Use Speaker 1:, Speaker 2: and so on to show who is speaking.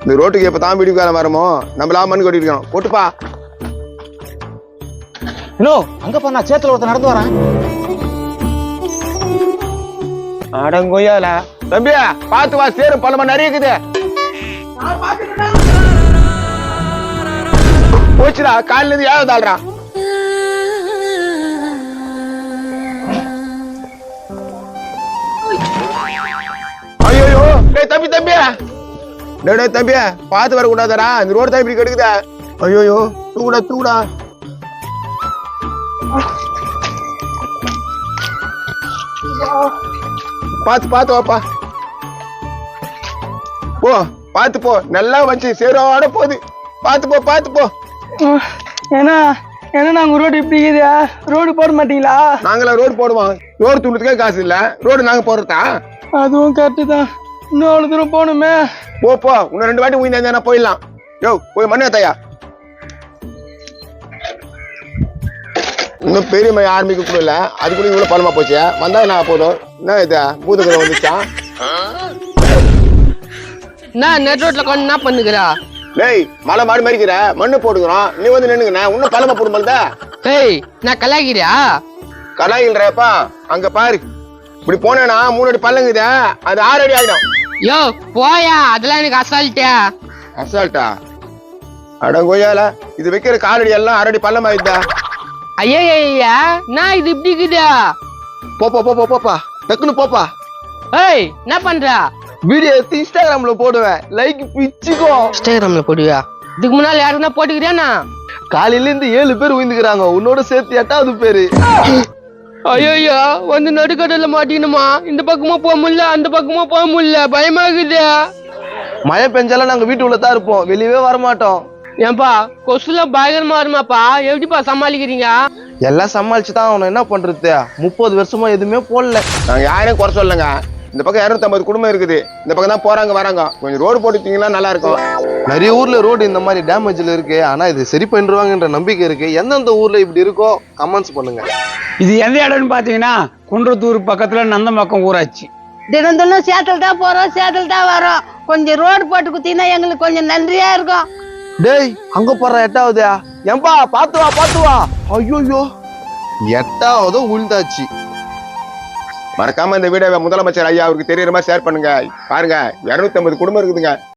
Speaker 1: இந்த ரோட்டுக்கு எப்ப தான் வீடு காலம் வரமோ நம்மளா மண்ணு கொட்டிட்டு இருக்கோம். கொட்டுப்பா.
Speaker 2: இன்னும் அங்க பா, நான் சேத்துல ஒருத்தர் நடந்து வரேன்.
Speaker 1: அடங்கொய்யால தம்பியா பாத்து வா, சேரும் பழமா நிறைய இருக்குது. போச்சுடா, காலில இருந்து ஏதாவது ஆள்றா. ஐயோ டேய் தம்பி தம்பியா, டேய் தம்பியா பாத்து வர கூடாதடா, இந்த ரோடு தான் இப்படி கெடுக்குதா. ஐயோ தூடா தூடா. பாத்து பாத்து வாப்பா, போ பாத்து போ, நல்லா வச்சு சேரோட போகுது. பாத்து போ பாத்து போ.
Speaker 3: ஏன்னா ஏன்னா நாங்க ரோடு இப்படி இருக்குதா, ரோடு போட மாட்டீங்களா?
Speaker 1: நாங்களா ரோடு போடுவோம், ரோடு தூண்டுறதுக்கே காசு இல்ல, ரோடு நாங்க போடுறதா?
Speaker 3: அதுவும் கரெக்டு தான். இன்னும் அவ்வளவு தூரம் போகணுமே.
Speaker 1: போ போ, இன்னும் 2 வாட்டி உயிர்ந்தா போயிடலாம். யோ போய் மண்ணு ஏத்தாயா. இன்னும் பெரிய மைய ஆரம்பிக்க கூட இல்ல, அதுக்குள்ள இவ்வளவு பழமா போச்சு. வந்தா என்ன போதும்? என்ன இது பூதகிற வந்துச்சா?
Speaker 4: நான் நெட் ரோட்ல கொண்டு என்ன பண்ணுகிறா?
Speaker 1: டேய் மலை மாடி மறிக்கிற, மண்ணு போடுகிறோம், நீ வந்து நின்னுங்கண்ணா, இன்னும் பழமா போடும்போது.
Speaker 4: ஏய் நான் கலாகிறியா?
Speaker 1: கலாயில்றப்பா, அங்க பாரு, இப்படி போனேன்னா 3 அடி பள்ளங்குதா, அது 6 அடி ஆயிடும்.
Speaker 4: யோ போயா, அதெல்லாம் எனக்கு அசால்ட்டா.
Speaker 1: அசால்ட்டா? அடங்கோயால இது வைக்கிற காலடி எல்லாம் 6 அடி பள்ளம் ஆயிடுதா.
Speaker 4: ஐயா நான் இது இப்படி இருக்குதா?
Speaker 1: போப்பா போப்பா போப்பா, டக்குன்னு போப்பா.
Speaker 4: ஏய் என்ன பண்ற?
Speaker 1: வீடியோ எடுத்து இன்ஸ்டாகிராம்ல போடுவேன், லைக் பிச்சுக்கோ.
Speaker 4: இன்ஸ்டாகிராம்ல போடுவியா? இதுக்கு முன்னால யாருன்னா போட்டுக்கிறியானா?
Speaker 1: காலையில இருந்து 7 பேர் உயிந்துக்கிறாங்க, உன்னோட சேர்த்து 8வது பேரு.
Speaker 4: ஐயோ வந்து நடுக்கடல மாட்டிக்கணுமா? இந்த பக்கமா போக முடியல, அந்த பக்கமா போக முடியல, பயமாகுது.
Speaker 1: மழை பெஞ்சாலும் நாங்க வீட்டு உள்ளதான் இருப்போம், வெளியவே வரமாட்டோம்.
Speaker 4: ஏன்பா கொசுலாம் பயங்கரமா வருமாப்பா, எப்படிப்பா சமாளிக்கிறீங்க?
Speaker 1: எல்லாம் சமாளிச்சுதான் அவனை என்ன பண்றது, 30 வருஷமா எதுவுமே போடல. நாங்க யாரையும் குறை சொல்லுங்க, இந்த பக்கம் 250 குடும்பம் இருக்குது, இந்த பக்கம் தான் போறாங்க வராங்க, கொஞ்சம் ரோடு போட்டுட்டீங்கன்னா நல்லா இருக்கும். நிறைய ஊர்ல ரோடு இந்த மாதிரி டேமேஜ்ல இருக்கு, ஆனா இது சரி பண்ணிடுவாங்கன்ற நம்பிக்கை இருக்கு. எந்தெந்த ஊர்ல இப்படி இருக்கோ கமெண்ட்ஸ் பண்ணுங்க.
Speaker 5: இது எந்த இடம்னு பாத்தீங்கன்னா குன்றத்தூர் பக்கத்துல நந்தம்பாக்கம் ஊராட்சி.
Speaker 6: தினம் தினம் சேத்துல தான் போறோம், சேத்துல தான் வரோம். கொஞ்சம் ரோடு போட்டு குத்தினா எங்களுக்கு கொஞ்சம் நன்றியா இருக்கும்.
Speaker 1: டேய் அங்க போற 8வது ஏன்பா, பாத்து வா பாத்து வா. ஐயோ 8வது உழுந்தாச்சு. மறக்காம இந்த வீடியோவை முதலமைச்சர் ஐயா அவருக்கு தெரியற மாதிரி ஷேர் பண்ணுங்க. பாருங்க 250 குடும்பம் இருக்குதுங்க.